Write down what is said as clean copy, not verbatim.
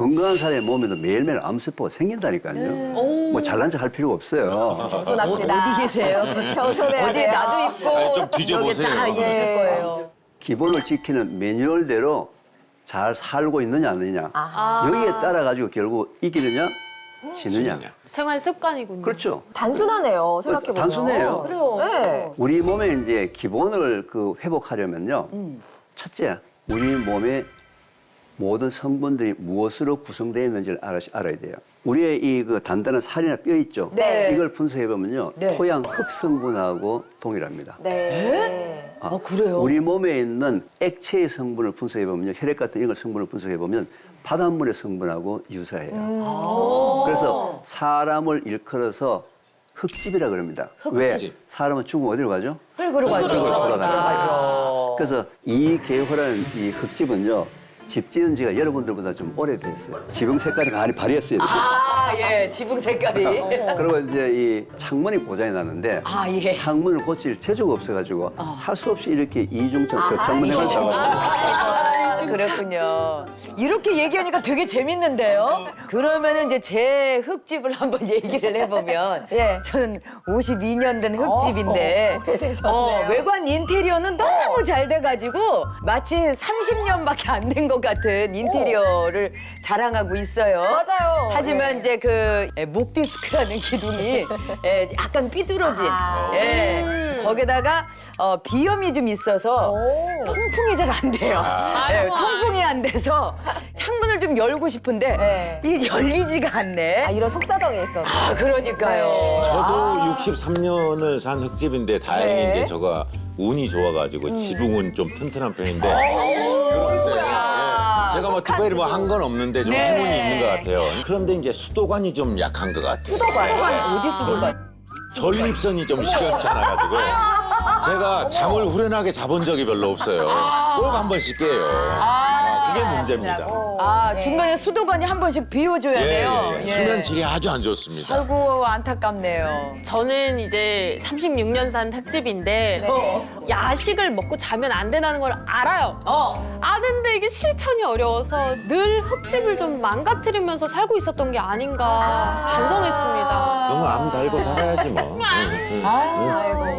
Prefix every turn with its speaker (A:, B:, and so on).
A: 건강한 사람의 몸에도 매일매일 암세포가 생긴다니까요. 뭐 잘난 척 할 필요가 없어요.
B: 겸손합시다.
C: 어디 계세요?
B: 겸손해야
C: 어디
B: 돼요.
C: 나도 있고
D: 아니, 좀 뒤져보세요.
C: 여기 다 있을 거예요.
A: 기본을 지키는 매뉴얼대로 잘 살고 있느냐 안 느냐. 여기에 따라 가지고 결국 이기느냐 지느냐.
E: 생활 습관이군요.
A: 그렇죠.
B: 단순하네요. 생각해보면.
A: 단순해요.
C: 그래요.
B: 네.
A: 우리 몸에 이제 기본을 회복하려면요. 첫째, 우리 몸의 모든 성분들이 무엇으로 구성되어 있는지를 알아야 돼요. 우리의 이 단단한 살이나 뼈 있죠.
B: 네.
A: 이걸 분석해 보면요,
C: 네.
A: 토양 흙 성분하고 동일합니다.
B: 네.
C: 그래요?
A: 우리 몸에 있는 액체의 성분을 분석해 보면요, 혈액 같은 이런 성분을 분석해 보면 바닷물의 성분하고 유사해요. 그래서 사람을 일컬어서 흙집이라 그럽니다. 왜? 사람은 죽으면 어디로 가죠?
C: 흙으로 가죠.
A: 돌아가죠. 그래서 이 개호라는 이 흙집은요, 집 지은 지가 여러분들보다 좀 오래됐어요. 지붕 색깔이 많이 발휘했어요.
C: 예, 지붕 색깔이.
A: 그리고 이제 이 창문이 고장이 났는데
C: 예.
A: 창문을 고칠 재주가 없어가지고 할 수 없이 이렇게 이중창, 격창문 해가지고
C: 그렇군요. 이렇게 얘기하니까 되게 재밌는데요? 그러면은 이제 제 흙집을 한번 얘기를 해보면
B: 예.
C: 저는 52년 된 흙집인데
B: 오래되셨네요.
C: 외관 인테리어는 너무 잘 돼가지고 마치 30년밖에 안 된 것 같은 인테리어를 자랑하고 있어요.
B: 맞아요.
C: 하지만
B: 예.
C: 이제 그 목 디스크라는 기둥이 약간 삐뚤어진 거기다가 비염이 좀 있어서
B: 오.
C: 통풍이 잘 안 돼요. 통풍이 안 돼서 창문을 좀 열고 싶은데
B: 네.
C: 이게 열리지가 않네.
B: 이런 속사정이 있어서.
C: 그러니까요.
D: 저도 63년을 산 흙집인데 다행히
B: 네.
D: 이제 저가 운이 좋아가지고 지붕은 좀 튼튼한 편인데 그런데 제가 뭐 특별히 뭐 한 건 없는데 좀 행운이 있는 것 같아요. 그런데 이제 수도관이 좀 약한 것 같아요.
C: 수도관 어디 수도관?
D: 전립선이 좀 시원치 않아가지고 제가 잠을 후련하게 자본 적이 별로 없어요. 꼭 한 번씩 깨요. 그게 문제입니다.
C: 중간에 수도관이 한 번씩 비워줘야 돼요. 예.
D: 수면 질이 아주 안 좋습니다.
C: 아이고 안타깝네요.
E: 저는 이제 36년 산 흙집인데 야식을 먹고 자면 안 된다는 걸 알아요. 아는데 이게 실천이 어려워서 늘 흙집을 좀 망가뜨리면서 살고 있었던 게 아닌가 반성했습니다.
D: 너무 암 달고 살아야지 뭐.
B: 아이고.